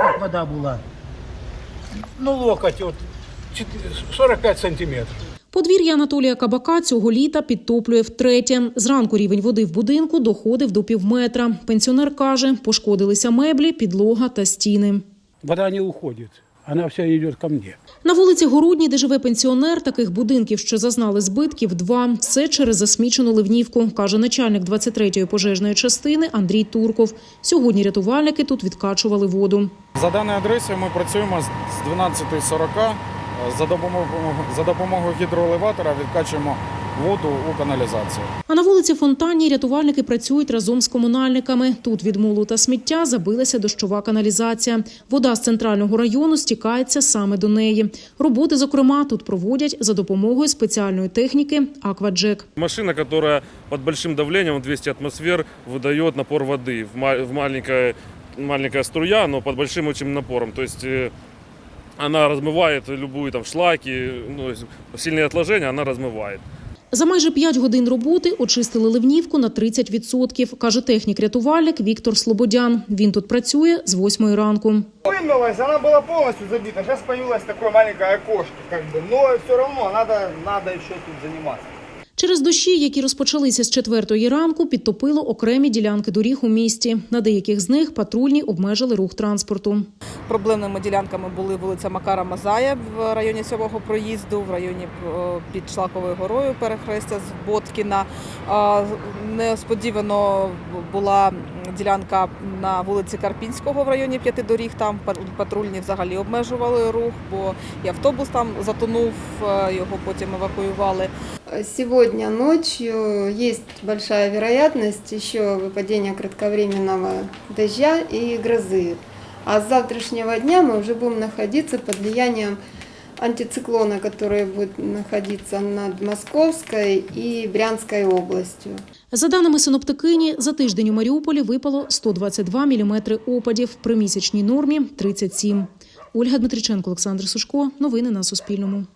как вода была. Ну, локоть, вот, 45 сантиметров. Подвір'я Анатолія Кабака цього літа підтоплює втретє. Зранку рівень води в будинку доходив до півметра. Пенсіонер каже, пошкодилися меблі, підлога та стіни. Вода не уходит, она вся идет ко мне. На вулиці Городній, де живе пенсіонер, таких будинків, що зазнали збитків, 2. Все через засмічену ливнівку, каже начальник 23-ї пожежної частини Андрій Турков. Сьогодні рятувальники тут відкачували воду. За даною адресою ми працюємо з 12:40. За допомогою гідроелеватора відкачуємо воду у каналізацію. А на вулиці Фонтанній рятувальники працюють разом з комунальниками. Тут від мулу та сміття забилася дощова каналізація. Вода з центрального району стікається саме до неї. Роботи, зокрема, тут проводять за допомогою спеціальної техніки «Акваджек». Машина, которая под большим давлением, 200 атмосфер, выдает напор воды в маленькая струя, но под большим очень напором. То есть она размывает любые там шлаки, сильные отложения она размывает. За майже 5 годин роботи очистили ливнівку на 30%, каже технік-рятувальник Віктор Слободян. Він тут працює з 8 ранку. Вымылась, она была полностью забита. Сейчас появилось такое маленькое окошко, но все равно надо еще тут заниматься. Через дощі, які розпочалися з 4 ранку, підтопило окремі ділянки доріг у місті. На деяких з них патрульні обмежили рух транспорту. Проблемними ділянками були вулиця Макара Мазая в районі 7-го проїзду, в районі під Шлаковою горою перехрестя з Боткіна. Несподівано була ділянка на вулиці Карпінського в районі 5 доріг. Там патрульні взагалі обмежували рух, бо і автобус там затонув, його потім евакуювали. Сегодня ночью есть большая вероятность еще выпадения кратковременного дождя и грозы. А с завтрашнего дня мы уже будем находиться под влиянием антициклона, который будет находиться над Московской и Брянской областью. За даними синоптикині, за тиждень у Маріуполі випало 122 міліметри опадів, при місячній нормі – 37. Ольга Дмитриченко, Олександр Сушко. Новини на Суспільному.